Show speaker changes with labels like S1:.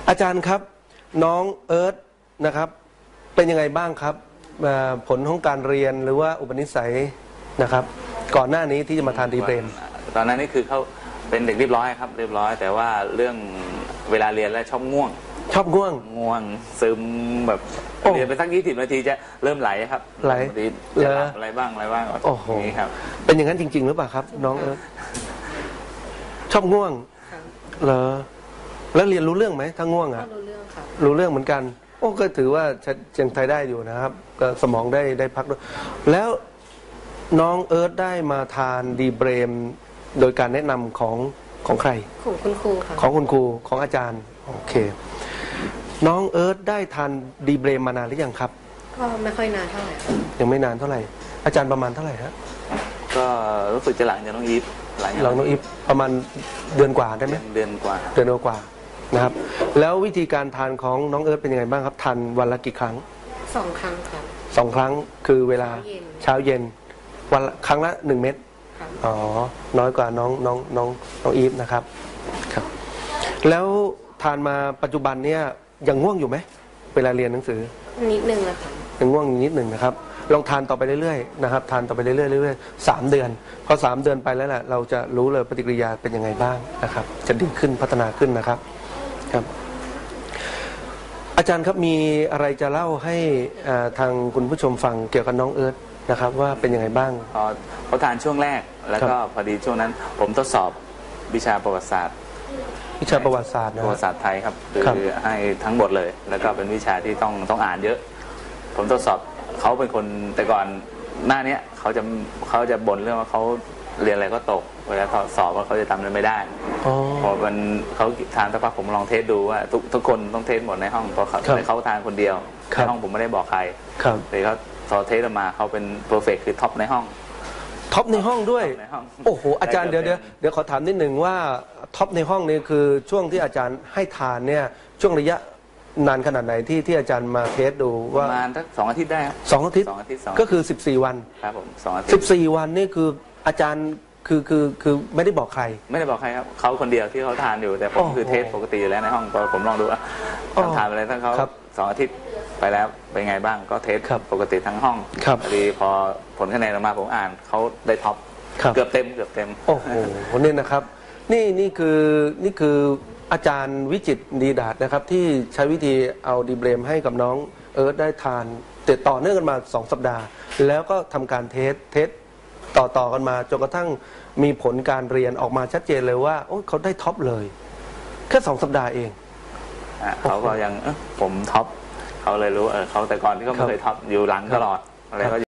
S1: อาจารย์ครับน้องเอิร์ธนะครับเป็นยังไงบ้างครับผลของการเรียนหรือว่าอุปนิสัยนะครับก่อนหน้านี้ที่จะมาทานดีเบรม
S2: ตอนนั้นนี่คือเขาเป็นเด็กเรียบร้อยครับเรียบร้อยแต่ว่าเรื่องเวลาเรียนแล้วชอบง่วงง่วงซึมแบบเรียนไปสัก20 นาทีจะเริ่มไหลครับ
S1: ไหล
S2: จะหลับอะไรบ้าง
S1: โอ้โห
S2: นี่ครับ
S1: เป็นอย่างนั้นจริงๆหรือเปล่าครับน้องเอิร์ธชอบง่วงเหรอแล้วเรียนรู้เรื่องไหมถ้าง่วงอ่ะ
S3: รู้เรื่องค่ะ
S1: รู้เรื่องเหมือนกันโอ้ก็ถือว่ายังไทยได้อยู่นะครับก็สมองได้พักด้วยแล้วน้องเอิร์ธได้มาทานดีเบรมโดยการแนะนำของใคร
S3: ของคุณครูค่ะ
S1: ของคุณครูของอาจารย์โอเคน้องเอิร์ธได้ทานดีเบรมมานานหรือยังครับ
S3: ก็ไม่ค่อยนานเท่าไหร่
S1: ยังไม่นานเท่าไหร่อาจารย์ประมาณเท่าไหร่ฮะ
S2: ก็รู้สึกจะหลังจากน้องอีฟ
S1: หลังน้องอีฟประมาณเดือนกว่าได้ไหม
S2: เดือนกว่า
S1: นะครับแล้ววิธีการทานของน้องเอิร์ธเป็นยังไงบ้างครับทานวันละกี่ครั้ง
S3: 2 ครั้งครับ
S1: 2 ครั้งคือเวลาเช้าเย็นวันครั้งละ1 เม็ดอ๋อน้อยกว่าน้องอีฟนะครับครับแล้วทานมาปัจจุบันเนี่ยยังง่วงอยู่ไหมเวลาเรียนหนังสือ
S3: นิดนึงนะคะ
S1: ยังง่วงนิดหนึ่งนะครับลองทานต่อไปเรื่อยๆนะครับทานต่อไปเรื่อยๆ3 เดือนพอ3 เดือนไปแล้วแหละเราจะรู้เลยปฏิกิริยาเป็นยังไงบ้างนะครับจะดีขึ้นพัฒนาขึ้นนะครับครับอาจารย์ครับมีอะไรจะเล่าให้ทางคุณผู้ชมฟังเกี่ยวกับน้องเอิร์ธนะครับว่าเป็นยังไงบ้าง
S2: เขาทานช่วงแรกแล้วก็พอดีช่วงนั้นผมทดสอบวิชาประวัติศาสตร์
S1: ประวัติศาสตร์
S2: ประวัติศาสตร์ไทยครับคือให้ทั้งหมดเลยแล้วก็เป็นวิชาที่ต้องอ่านเยอะผมทดสอบเขาเป็นคนแต่ก่อนหน้านี้เขาจะบ่นเรื่องว่าเขาเรียนอะไรก็ตกเวลาสอบว่าเขาจะทำอะไรไม่ได้พอมันเขาทานสักพักผมลองเทสดูว่าทุกคนต้องเทสหมดในห้องเพราะเขาทานคนเดียวในห้องผมไม่ได้บอกใครเลยเขาพอเทสออกมาเขาเป็นเพอร์เฟกต์คือท็อปในห้อง
S1: ท็อปในห้องด้วยโอ้โหอาจารย์เดี๋ยวขอถามนิดหนึ่งว่าท็อปในห้องนี่คือช่วงที่อาจารย์ให้ทานเนี่ยช่วงระยะนานขนาดไหนที่อาจารย์มาเทสดูว่า
S2: ประมาณสัก2 อาทิตย์ได้ครับ
S1: 2 อาทิตย์ก็คือ14 วัน
S2: ครับผม2 อาทิตย์
S1: 14 วันนี่คืออาจารย์คือไม่ได้บอกใคร
S2: ครับเขาคนเดียวที่เขาทานอยู่แต่ผมคือเทสปกติอยู่แล้วในห้องผมลองดูว่าทานอะไรทั้งเขา2 อาทิตย์ไปแล้วเป็นไงบ้างก็เทสปกติทั้งห้องพอดีพอผลคะแนนออกมาผมอ่านเขาได้ท็อปเกือบเต็ม
S1: โอ้โหนี่นะครับนี่คืออาจารย์วิจิตรดีดาษนะครับที่ใช้วิธีเอาดีเบรมให้กับน้องเอิร์ธได้ทานติดต่อเนื่องกันมา2 สัปดาห์แล้วก็ทำการเทสต่อกันมาจนกระทั่งมีผลการเรียนออกมาชัดเจนเลยว่าเขาได้ท็อปเลยแค่2 สัปดาห์เอง
S2: เขาก็ยังผมท็อปเขาเลยรู้เขาแต่ก่อนที่เขาไม่เคยท็อปอยู่หลังตลอดอะไรก็